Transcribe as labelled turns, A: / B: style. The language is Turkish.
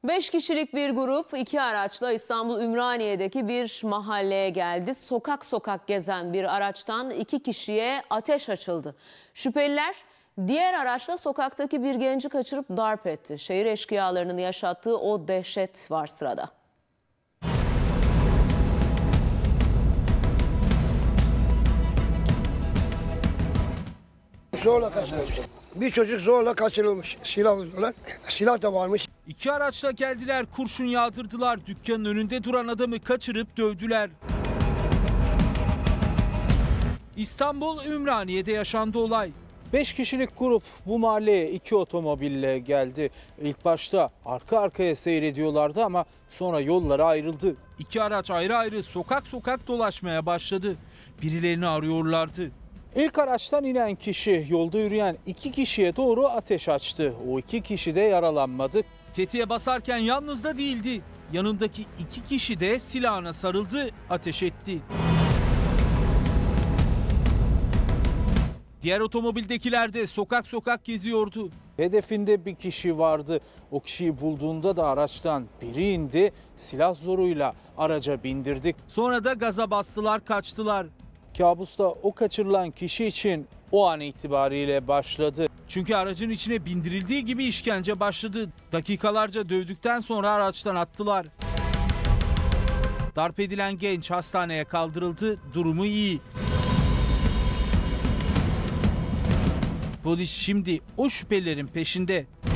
A: 5 kişilik bir grup 2 araçla İstanbul Ümraniye'deki bir mahalleye geldi. Sokak sokak gezen bir araçtan 2 kişiye ateş açıldı. Şüpheliler diğer araçla sokaktaki bir genci kaçırıp darp etti. Şehir eşkıyalarının yaşattığı o dehşet var sırada.
B: Zorla kaçırılmış. Bir çocuk zorla kaçırılmış. Silah da varmış.
C: 2 araçla geldiler, kurşun yağdırdılar. Dükkanın önünde duran adamı kaçırıp dövdüler. İstanbul Ümraniye'de yaşandı olay.
D: 5 kişilik grup bu mahalleye 2 otomobille geldi. İlk başta arka arkaya seyrediyorlardı ama sonra yolları ayrıldı.
C: 2 araç ayrı ayrı sokak sokak dolaşmaya başladı. Birilerini arıyorlardı.
D: İlk araçtan inen kişi yolda yürüyen 2 kişiye doğru ateş açtı. O 2 kişi de yaralanmadı.
C: Tetiğe basarken yalnız da değildi. Yanındaki 2 kişi de silahına sarıldı, ateş etti. Diğer otomobildekiler de sokak sokak geziyordu.
D: Hedefinde bir kişi vardı. O kişiyi bulduğunda da araçtan biri indi, silah zoruyla araca bindirdik.
C: Sonra da gaza bastılar, kaçtılar.
D: Kabusta o kaçırılan kişi için o an itibariyle başladı.
C: Çünkü aracın içine bindirildiği gibi işkence başladı. Dakikalarca dövdükten sonra araçtan attılar. Darp edilen genç hastaneye kaldırıldı, durumu iyi. Polis şimdi o şüphelilerin peşinde.